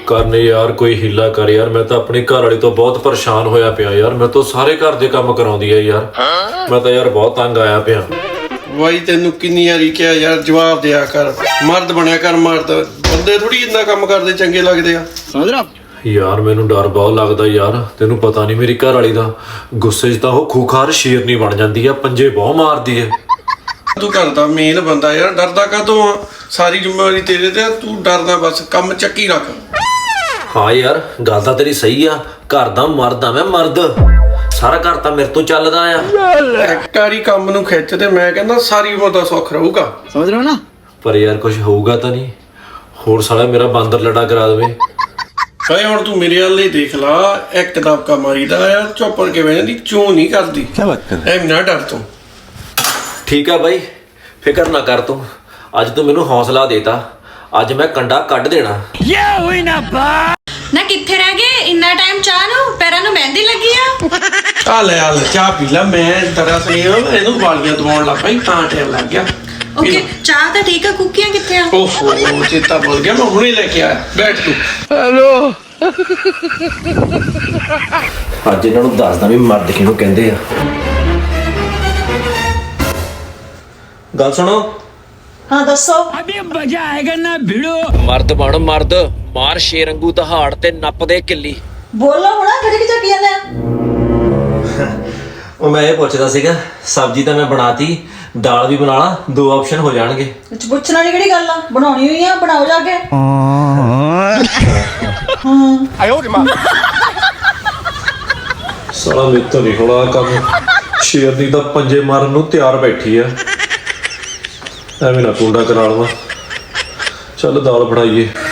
करने यार कोई हीला कर यार। मैं तो अपनी घर वाली तो बहुत परेशान होया पिया यार। मैं तो सारे घर दे काम कराउंदी है यार। मैं तो यार बहुत तंग आया पिया। ਬਾਈ ਤੈਨੂੰ ਕਿੰਨੀ ਵਾਰੀ ਕਿਹਾ ਯਾਰ ਜਵਾਬ ਦਿਆ ਕਰ, ਮਰਦ ਬਣਿਆ ਕਰ। ਮਰਦ ਬੰਦੇ ਥੋੜੀ ਇੰਨਾ ਕੰਮ ਕਰਦੇ ਚੰਗੇ ਲੱਗਦੇ ਆ। समझ रहा यार मैनू डर बहुत लगदा यार। तेनू पता नहीं मेरी घर वाली दा गुस्से च तां ओह खूखार शेरनी बन जांदी है, पंजे बहुत मारदी है। ਤੂੰ ਘਰ ਦਾ ਮੇਨ ਬੰਦਾ ਯਾਰ, ਡਰਦਾ ਕਾਹਤੋਂ ਆ? ਸਾਰੀ ਜ਼ਿੰਮੇਵਾਰੀ ਤੇਰੇ ਤੇ ਆ, ਤੂੰ ਡਰਦਾ ਬਸ ਕੰਮ ਚੱਕੀ ਰੱਖ। हाँ यार गल तां तेरी सही आ। घर दा मर्द आ मैं, मर्द। सारा घर तां मेरे तो चलदा आ। ਇੱਕ ਵਾਰੀ ਕੰਮ ਨੂੰ ਖਿੱਚ ਤੇ ਮੈਂ ਕਹਿੰਦਾ ਸਾਰੀ ਉਮਰ ਦਾ ਸੁੱਖ ਰਹੂਗਾ। समझ रहे हो ना। पर यार कुछ होऊगा तां नहीं? होर साला मेरा बांदर लड़ा करा देवे। ਭਾਈ ਹੁਣ ਤੂੰ ਮੇਰੇ ਵੱਲ ਹੀ ਦੇਖ ਲਾ, ਇੱਕ ਦਬਕਾ ਮਾਰੀਦਾ ਆ, ਚੁੱਪੜ ਕੇ ਬਹਿ ਜਾਂਦੀ, ਚੂੰ ਨਹੀਂ ਕਰਦੀ। क्या बात कर ਐਵੇਂ ਨਾ ਡਰ ਤੂੰ। ठीक है भाई, फिक्र ना कर तू। अज तू मैनू हौसला देता। अज मैं कंडा कट देना। ਨਾ ਕਿੱਥੇ ਰਹਿ ਗਏ ਇੰਨਾ ਟਾਈਮ? ਚਾਹ ਨੂੰ ਪੈਰਾਂ ਨੂੰ ਮਹਿੰਦੀ ਲੱਗੀ ਆ। ਆ ਲੈ ਚਾਹ ਪੀ ਲੈ। ਮੈਂ ਦਰਅਸਲ ਇਹਨੂੰ ਵਾਲੀਆਂ ਦਵਾਉਣ ਲੱਗ ਪਈ ਤਾਂ ਟਾਈਮ ਲੱਗ ਗਿਆ। ਓਕੇ ਚਾਹ ਤਾਂ ਠੀਕ ਆ, ਕੁੱਕੀਆਂ ਕਿੱਥੇ ਆ? ਓਹੋ ਚੇਤਾ ਭੁੱਲ ਗਿਆ, ਮੈਂ ਹੁਣੇ ਲੈ ਕੇ ਆਇਆ। ਬੈਠ ਤੂੰ। ਅੱਜ ਇਹਨਾਂ ਨੂੰ ਦੱਸਦਾ ਵੀ ਮਰਦ ਕਿਹਨੂੰ ਕਹਿੰਦੇ ਆ। ਗੱਲ ਸੁਣੋ। हाँ दसो। ਮਰਦ ਬਣ ਮਰਦ, ਮਾਰ ਸ਼ੇਰ ਵਾਂਗੂ ਦਹਾੜ ਤੇ ਨੱਪ ਦੇ ਕਿੱਲੀ। बोलो होना किहड़ी की चक्की ने। ਉਹ ਮੈਂ ਇਹ ਪੁੱਛਦਾ ਸੀਗਾ, ਸਬਜ਼ੀ ਤਾਂ ਮੈਂ ਬਣਾਤੀ, ਦਾਲ ਵੀ ਬਣਾ ਲਾ, ਦੋ ਆਪਸ਼ਨ ਹੋ ਜਾਣਗੇ। विच पुछना दी किहड़ी गल आ? बनाउणी हुई आ, बनाओ जाके। ਸਾਲਾ ਮੇਰੇ ਤੋਂ ਨਹੀਂ ਹੋਣਾ ਕੰਮ। ਸ਼ੇਰਨੀ ਦਾ ਪੰਜੇ ਮਾਰਨ ਨੂੰ ਤਿਆਰ ਬੈਠੀ ਆ। ਐਵੇਂ ਨਾ ਕੁੰਡਾ ਕਰਾ ਲਵਾਂ। ਚੱਲ ਦਾਲ ਬਣਾਈਏ।